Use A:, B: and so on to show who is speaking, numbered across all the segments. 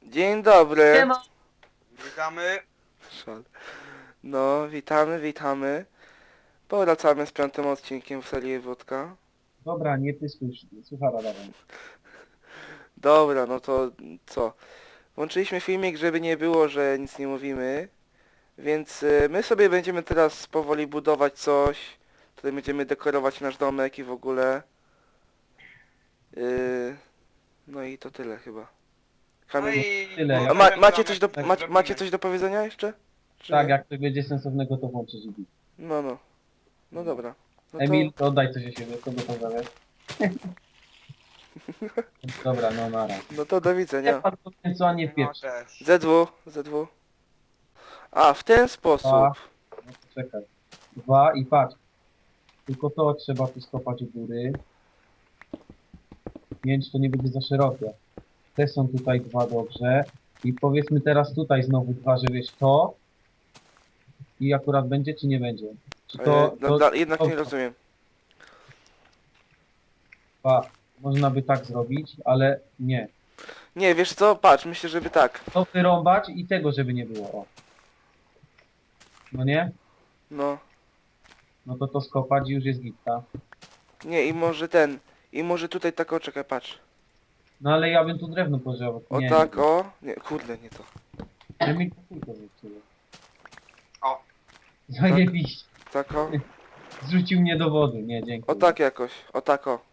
A: Dzień dobry.
B: Siema.
C: Witamy.
A: Szal. No, witamy. Powracamy z 5. odcinkiem w serii Wódka.
B: Dobra, nie pyskuj, suchara dawaj.
A: Dobra, no to co? Włączyliśmy filmik, żeby nie było, że nic nie mówimy. Więc my sobie będziemy teraz powoli budować coś. Tutaj będziemy dekorować nasz domek i w ogóle. No i to tyle chyba.
C: No
A: Kamil,
C: i...
B: Tyle.
A: a
C: Zrobimy.
A: macie coś do powiedzenia jeszcze? Czy
B: Tak,
A: nie?
B: jak to będzie sensownego, to włączysz i bić.
A: No. No dobra. No to...
B: Emil, to oddaj coś o siebie, kogo pozdrawiasz? Dobra, no nara.
A: No to do
B: Nie
A: widzenia.
B: pan to w końcu, a nie w
C: No
B: pierwszy.
C: też.
A: ZW. A, w ten sposób.
B: A. No to czekaj. 2 i patrz. Tylko to trzeba tu skopać u góry. 5 to nie będzie za szerokie. Te są tutaj 2 dobrze. I powiedzmy teraz tutaj znowu 2, że wiesz to. I akurat będzie, czy nie będzie? Czy to...
A: Jednak
B: to-
A: nie rozumiem.
B: Można by tak zrobić, ale nie.
A: Nie, wiesz co? Patrz, myślę, żeby tak.
B: To wyrąbać i tego, żeby nie było. O. No nie?
A: No.
B: No to skopać i już jest gitta.
A: Nie, i może tutaj tak, o, czekaj, patrz.
B: No ale ja bym tu drewno pożywał.
A: O
B: Nie,
A: tak, o. Nie, kurde, nie to.
B: Nie, mi to zepsuło.
C: O.
B: Zajebiście.
A: Tak, o.
B: Zrzucił mnie do wody. Nie, dzięki.
A: O tak jakoś. O tak, o.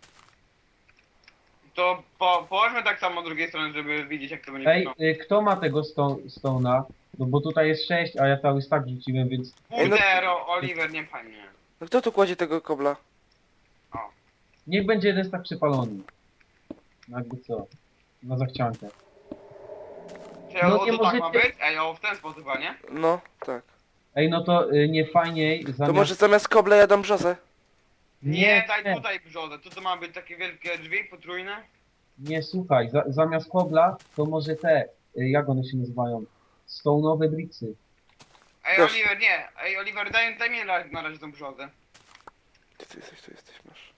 C: To położmy tak samo z drugiej strony, żeby widzieć jak to będzie
B: Ej,
C: wyglądało.
B: kto ma tego stona? No bo tutaj jest 6, a ja cały stack rzuciłem, więc...
A: Ej, no-
C: Kurde, Oliver, nie fajnie.
A: No kto tu kładzie tego kobla?
B: Niech będzie jeden stack przypalony. No jakby co? Na zachciankę.
C: Czy
B: No
C: to
B: nie
C: tak ma
B: możecie-
C: być? Ej, o w ten sposób, a nie?
A: No, tak.
B: Ej, no to nie fajniej zamiast...
A: To może zamiast kobla ja dam brzozę?
C: Nie, daj tutaj brzodę. To ma być takie wielkie drzwi potrójne?
B: Nie, słuchaj, zamiast kobla, to może te, jak one się nazywają? Stone'owe bricksy.
C: Ej,
A: Też.
C: Oliver, nie. Ej, Oliver, daj mi na razie tą brzodę.
A: Gdzie ty jesteś, tu jesteś, masz.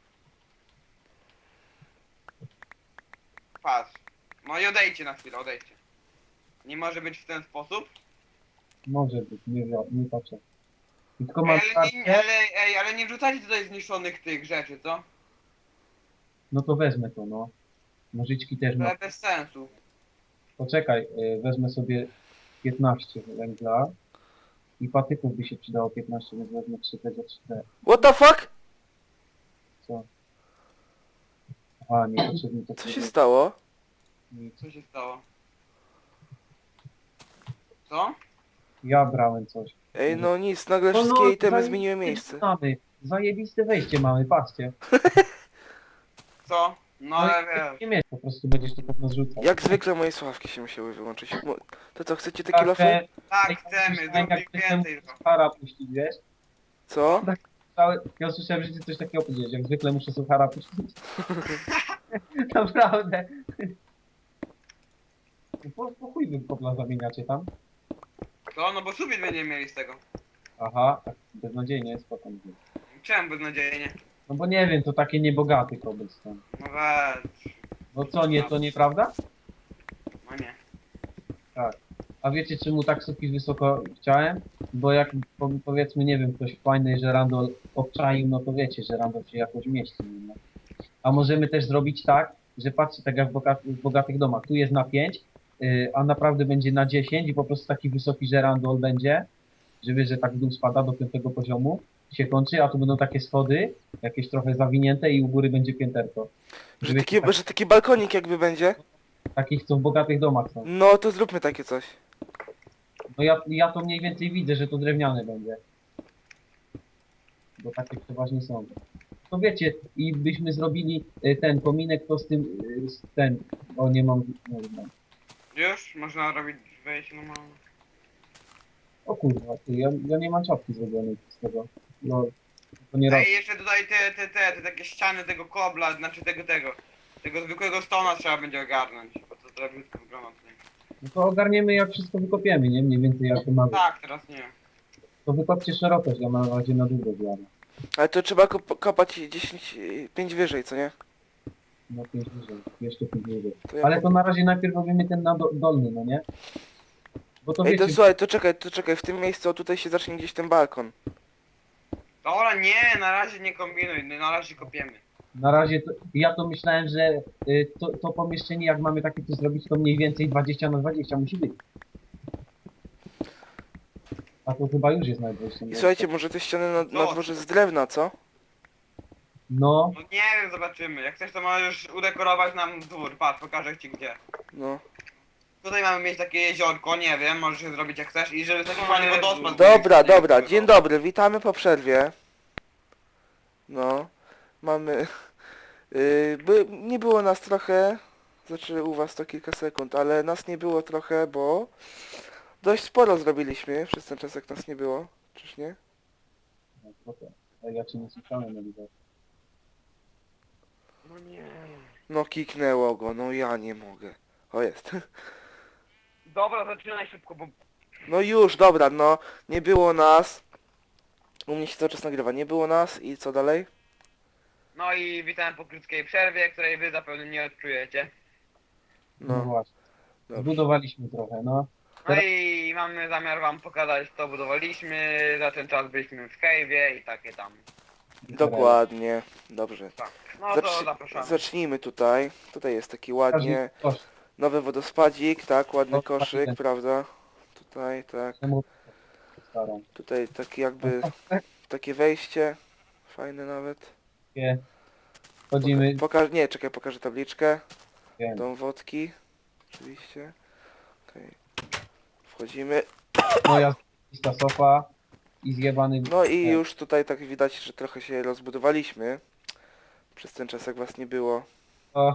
C: Patrz. No i odejdźcie na chwilę, odejdźcie. Nie może być w ten sposób?
B: Może być, nie patrzę. I tylko mam
C: Ale nie wrzucajcie tutaj zniszczonych tych rzeczy, co?
B: no to wezmę to, no. Nożyczki też mam.
C: To bez sensu.
B: Poczekaj, wezmę sobie 15 węgla. I patyków by się przydało 15, więc wezmę 3 te za 3
A: What the fuck?
B: Co? Aha, niepotrzebnie to
A: Co się stało?
B: nic.
C: Co się stało? Co?
B: Ja brałem coś.
A: Ej, no nic, nagle
B: No,
A: wszystkie itemy
B: zajebiste
A: zmieniły miejsce.
B: Mamy. Zajebiste wejście mamy, patrzcie.
C: Co? No ale wiesz.
B: Nie mieć, po prostu będziesz to pewno zrzucał.
A: Jak zwykle moje słuchawki się musiały wyłączyć. To co, chcecie te
B: Tak,
A: kilofy?
C: Tak, chcemy, zróbmy więcej.
B: Suchara puścić, wiesz?
A: Co?
B: Ja usłyszałem, że ty coś takiego powiedziałeś. Jak zwykle muszę suchara puścić. Naprawdę. Po chuj wy kopla zamieniacie tam?
C: Co? No bo sufit będziemy mieli z tego.
B: Aha, tak beznadziejnie jest potem.
C: Czemu beznadziejnie?
B: No bo nie wiem, to takie niebogaty cobblestone.
C: No weź.
B: No co, nie, to nieprawda?
C: No nie.
B: A wiecie czemu tak sufit wysoko chciałem? Bo jak powiedzmy, nie wiem, ktoś fajny, że Randall obczaił, no to wiecie, że Randall się jakoś mieści. No. A możemy też zrobić tak, że patrzcie, tak jak w bogatych domach, tu jest na 5, a naprawdę będzie na 10 i po prostu taki wysoki, że Randall będzie, że wiesz, że tak w dół spada do 5 poziomu, się kończy, a tu będą takie schody, jakieś trochę zawinięte i u góry będzie pięterko.
A: Że
B: Wiecie,
A: taki, że taki balkonik jakby będzie?
B: takich, co w bogatych domach są.
A: No to zróbmy takie coś.
B: No ja to mniej więcej widzę, że to drewniane będzie. Bo takie przeważnie są. To wiecie, i byśmy zrobili ten kominek, to z tym, ten, o nie mam, nie wiem.
C: Już? Można robić wejście normalnie.
B: O kurwa, ty, ja nie mam czapki zrobionej z tego. No, to nie raz.
C: Ej, jeszcze tutaj te takie ściany tego kobla, znaczy tego zwykłego stona trzeba będzie ogarnąć, bo to trochę brzydko wygląda tutaj.
B: No to ogarniemy jak wszystko wykopiemy, nie? Mniej więcej jak to mamy.
C: Tak, teraz nie.
B: To wykopcie szerokość, ja na razie na długo zjadę.
A: Ale to trzeba kopać 5 wyżej, co nie?
B: No 5 wyżej, jeszcze 5 wyżej.
A: To ja
B: Ale to na razie najpierw robimy ten na dolny, no nie? Bo to
A: Ej, to
B: wiecie,
A: słuchaj, to czekaj, w tym miejscu, o, tutaj się zacznie gdzieś ten balkon.
C: Dobra, nie, na razie nie kombinuj, na razie kopiemy.
B: na razie to, ja to myślałem, że to pomieszczenie jak mamy takie tu zrobić, to mniej więcej 20 na 20 musi być. A to chyba już jest najwyższe.
A: I słuchajcie, może te ściany na
C: Co?
A: dworze z drewna, co?
B: No,
C: No nie wiem, zobaczymy. Jak chcesz, to możesz udekorować nam dwór. Patrz, pokażę ci gdzie.
A: No.
C: Tutaj mamy mieć takie jeziorko, nie wiem, możesz je zrobić jak chcesz i żeby taki fajny wodospad.
A: Dobra,
C: był.
A: dobra, dzień dobry, witamy po przerwie. No, mamy... nie było nas trochę, znaczy u was to kilka sekund, ale nas nie było trochę, bo dość sporo zrobiliśmy przez ten czas, jak nas nie było, czyż nie?
B: no trochę. Ale ja cię nie słyszałem, no widzę.
C: No nie.
A: No kiknęło go, no ja nie mogę. O, jest.
C: Dobra, zaczynaj szybko, bo...
A: No już, dobra, no, nie było nas. U mnie się cały czas nagrywa, nie było nas i co dalej?
C: No i witam po krótkiej przerwie, której wy zapewne nie odczujecie.
B: No,
A: No,
B: właśnie.
A: dobrze.
B: Zbudowaliśmy trochę, no.
C: No i mamy zamiar wam pokazać, co budowaliśmy. Za ten czas byliśmy w cave'ie i takie tam.
A: Dokładnie, dobrze.
C: Tak. No to zapraszamy.
A: Zacznijmy tutaj. Tutaj jest taki
B: Każdy
A: ładnie
B: kosz.
A: nowy wodospadzik, tak, ładny
B: No,
A: koszyk,
B: fajny.
A: prawda? Tutaj, tak.
B: Czemu starą?
A: Tutaj taki jakby, takie wejście. Fajne nawet.
B: Takie. Chodzimy,
A: Nie, czekaj, pokażę tabliczkę.
B: wiem,
A: Dom wodki. Oczywiście. Okej. Wchodzimy.
B: moja zajebista sofa i zjebany...
A: No i już tutaj tak widać, że trochę się rozbudowaliśmy. Przez ten czas jak was nie było.
B: O,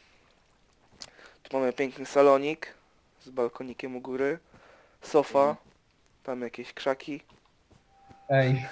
A: Tu mamy piękny salonik z balkonikiem u góry. Sofa.
B: Mhm.
A: Tam jakieś krzaki.
B: ej.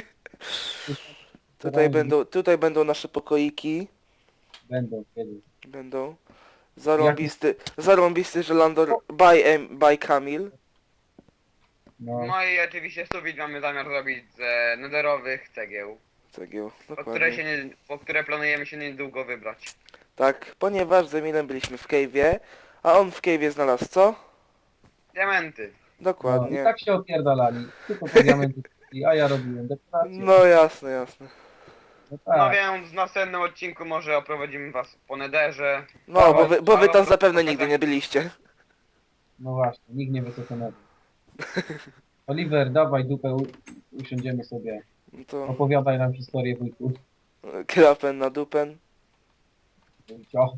A: Tutaj będą nasze pokoiki.
B: Będą kiedyś.
A: Będą. Zarąbisty żelandor by Kamil.
B: No,
C: No i oczywiście sufit mamy zamiar zrobić z nederowych cegieł,
A: Cegieł,
C: po które,
A: dokładnie.
C: po które planujemy się niedługo wybrać.
A: Tak, ponieważ z Emilem byliśmy w cave'ie, a on w cave'ie znalazł co?
C: Diamenty.
B: no. I
A: Dokładnie.
B: tak się opierdalali. Tylko po diamenty, a ja robiłem dekorację.
A: No jasne, jasne.
B: No
C: No
B: tak.
C: więc w następnym odcinku może oprowadzimy was po nederze.
A: No, bo wy tam
C: Ale-
A: zapewne nigdy nie byliście.
B: No właśnie, nikt nie wie co to nazywa. Oliver, dawaj dupę, usiądziemy sobie.
A: No to
B: Opowiadaj nam historię wujku.
A: krapen na dupen.
B: Cio.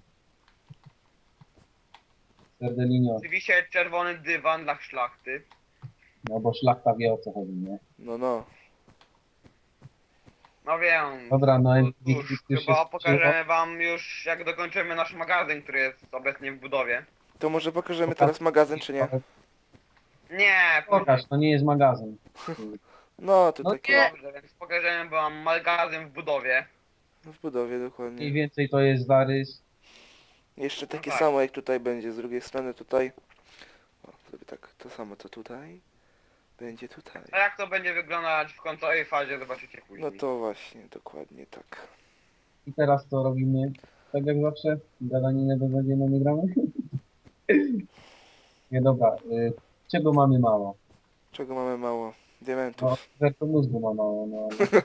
B: Serdelinio.
C: Oczywiście czerwony dywan dla szlachty.
B: No bo szlachta wie o co chodzi, nie?
A: No, no.
C: No wiem.
B: Dobra, no i
C: Cóż, chyba pokażemy wam już jak dokończymy nasz magazyn, który jest obecnie w budowie.
A: To może pokażemy teraz magazyn, czy nie?
C: Nie,
B: Pokaż, to nie jest magazyn.
A: No, to
B: No
A: takie
C: dobrze, więc pokażemy wam magazyn w budowie.
A: w budowie,
B: Mniej
A: dokładnie.
B: więcej to jest zarys.
A: Jeszcze takie
C: tak.
A: samo jak tutaj będzie, z drugiej strony tutaj. O, zrobię tak, to samo co tutaj. Będzie tutaj.
C: A jak to będzie wyglądać w końcowej fazie, zobaczycie później.
A: No to właśnie, dokładnie tak.
B: I teraz to robimy tak jak zawsze. Gadaninę do godziny nie gramy. Nie dobra, czego mamy mało?
A: Czego mamy mało? Diamentów.
B: No, Werto mózgu ma mało, no ale...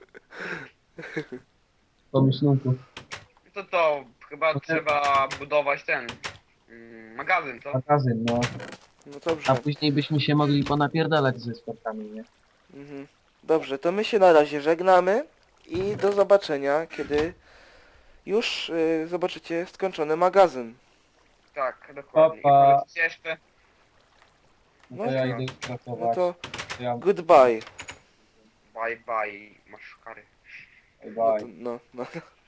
B: Pomyślunków.
C: To chyba
B: To te-
C: trzeba budować ten magazyn, co?
B: Magazyn, no.
A: No
B: A
A: dobrze.
B: później byśmy się mogli ponapierdalać ze spotkami, nie?
A: Mhm. Dobrze, to my się na razie żegnamy i do zobaczenia, kiedy już zobaczycie skończony magazyn.
C: Tak, dokładnie.
B: Pa, pa.
C: I powiedzcie jeszcze,
B: No to
A: No
B: ja
C: tak.
B: idę
A: No
B: pracować.
A: to
B: Ja...
A: goodbye.
C: bye bye, masz kary.
B: Bye
A: No,
B: bye.
A: to, no.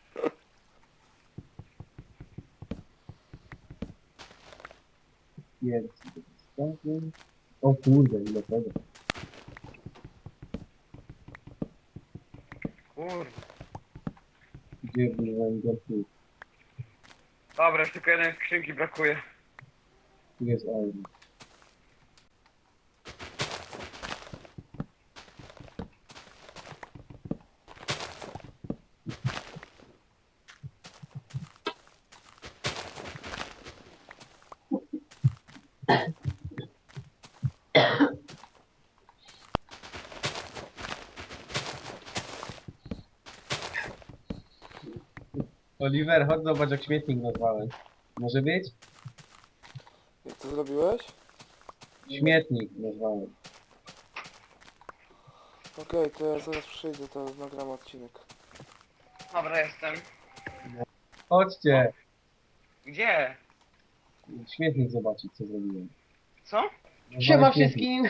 B: Jest. O kurde, ile tego.
C: Kurde.
B: Gdzie byłem tu?
C: Dobra, już tylko jeden skrzynki brakuje.
B: Tu jest euro. Oliver, chodź zobacz jak śmietnik nazwałem. Może być?
A: Jak to zrobiłeś?
B: Śmietnik nazwałem.
A: Okej, to ja zaraz przyjdę, to nagram odcinek.
C: Dobra, jestem.
B: Chodźcie!
C: Gdzie?
B: Śmietnik zobaczyć co zrobiłem.
C: Co?
B: Nazwałem
D: Siema
B: śmietnik.
D: wszystkim!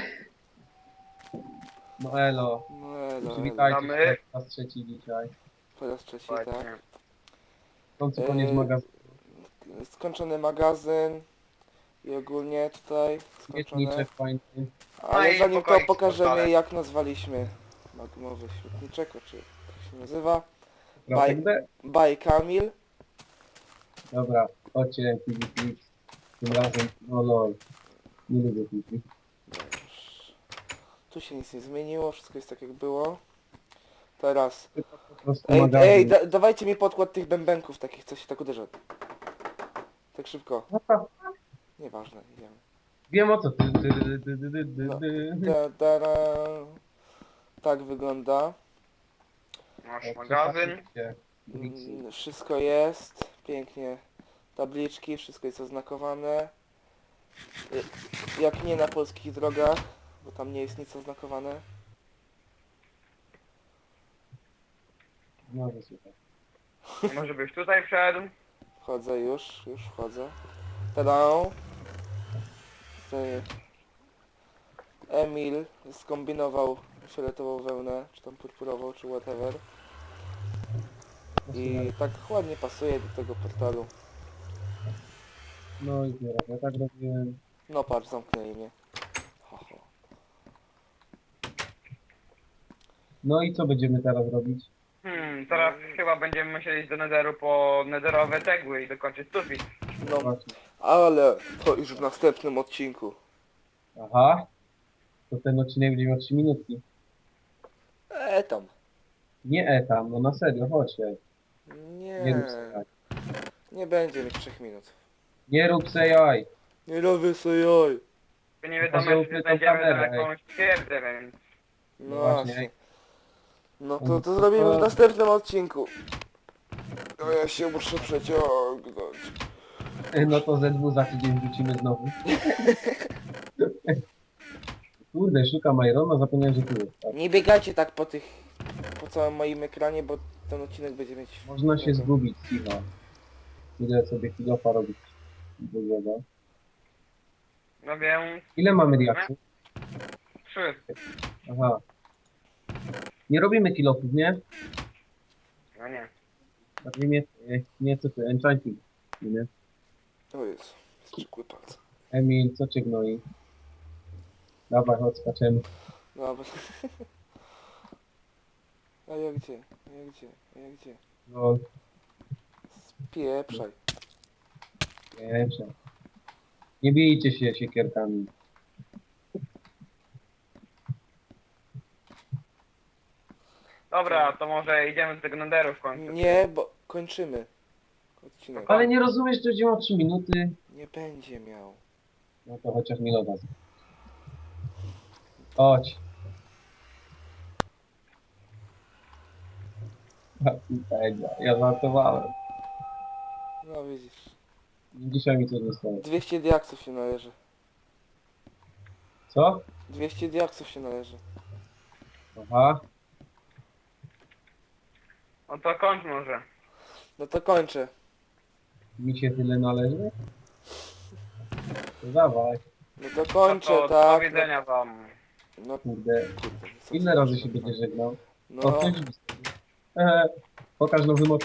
B: No elo.
A: No elo,
B: Przywitajcie
C: Witamy.
B: się po raz trzeci dzisiaj.
A: po raz trzeci,
C: Właśnie.
A: tak.
B: W końcu koniec magazynu.
A: Skończony magazyn i ogólnie tutaj skończone.
B: Śmietniczek fajny.
A: Ale
C: No i
A: zanim to
C: pokoik z
A: pokażemy
C: portalem.
A: jak nazwaliśmy magmowy śmietniczek, czy jak się nazywa.
B: Kratek D.
A: By Kamil.
B: Dobra, chodźcie PvP. Tym razem, no lol. Nie lubię PvP.
A: Tu się nic nie zmieniło, wszystko jest tak jak było. Teraz.
B: Po prostu
A: Ej,
B: magazyn.
A: dawajcie mi podkład tych bębenków takich, co się tak uderza. Tak szybko.
B: No to
A: Nieważne, idziemy.
B: wiem o co ty.
A: No. Ta-da-da. Tak wygląda.
C: Masz magazyn.
A: Wszystko jest. Pięknie. Tabliczki, wszystko jest oznakowane. Jak nie na polskich drogach, bo tam nie jest nic oznakowane.
B: No to super.
C: Może byś tutaj wszedł?
A: Wchodzę już wchodzę. Tada! Tutaj Emil skombinował fioletową wełnę, czy tam purpurową, czy whatever. I tak ładnie pasuje do tego portalu.
B: No i teraz, ja tak robiłem.
A: No patrz, zamknęli mnie. Ho, ho.
B: No i co będziemy teraz robić?
C: Teraz chyba będziemy musieli iść do Netheru po nederowe cegły i dokończyć sufit.
A: No,
B: Właśnie.
A: ale to już w następnym odcinku.
B: Aha. To ten odcinek będzie miał 3 minutki.
A: Tam.
B: Nie tam, no na serio, chodźcie. Nie
A: Nie,
B: rób se jaj.
A: nie będzie mieć 3 minut.
B: Nie rób se jaj.
A: Nie robię sobie jaj.
C: To nie wiadomo,
B: Może
C: czy
B: ukrytą
C: znajdziemy tam
B: kamerę,
C: jakąś twierdzę, więc...
A: No
B: właśnie.
A: właśnie. No to zrobimy w następnym odcinku. No ja się muszę przeciągnąć.
B: No to ZW za tydzień wrócimy znowu. Kurde, szukam Irona, zapomniałem, że tu jest. Tak.
A: Nie biegajcie tak po całym moim ekranie, bo ten odcinek będzie mieć...
B: Można się zgubić, cicho. Idę sobie kilofa robić. Drugiego.
C: No więc...
B: Ile mamy reakcji?
C: 3.
B: Aha. Nie robimy kilofów, nie?
C: No nie.
B: Znaczy nie co ty, enchanting. Nie?
A: O Jezu, strzykły palce.
B: Emil, co cię gnoi? Dawaj, chodź, skaczemy.
A: Dobra. A ja gdzie? A ja gdzie? A ja gdzie?
B: No,
A: Spieprzaj.
B: pierwsze. Nie bijcie się siekierkami.
C: Dobra, to może idziemy do tego Netheru w końcu.
A: Nie, bo kończymy odcinek.
B: Ale nie rozumiesz, że będzie miał 3 minuty?
A: Nie będzie miał.
B: No to chociaż mi loda. Chodź. Ja żartowałem.
A: No widzisz.
B: Dzisiaj mi coś nie stało.
A: 200 diaksów się należy.
B: Co?
A: 200 diaksów się należy.
B: Aha.
C: No to kończ może.
A: No to kończę.
B: Mi się tyle należy? To dawaj.
A: No to kończę,
C: No to do
A: tak.
C: widzenia wam.
A: No
B: Kurde.
A: kurde. co
B: Ile
A: ty
B: razy
A: masz
B: się
A: na
B: będzie
A: uwadze?
B: żegnał?
A: No,
B: O, ktoś pokaż nowy moc.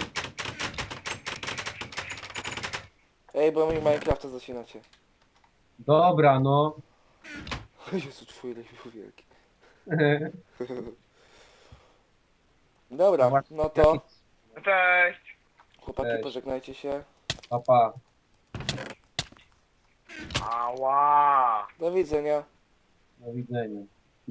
A: ej, bo mi Minecrafta zacinacie.
B: Dobra, no.
A: Jezu, twój lepiej wielki. Dobra, no to
C: No cześć!
A: chłopaki
B: Cześć.
A: pożegnajcie się.
B: Papa.
C: Ała!
A: Do widzenia.
B: Do widzenia.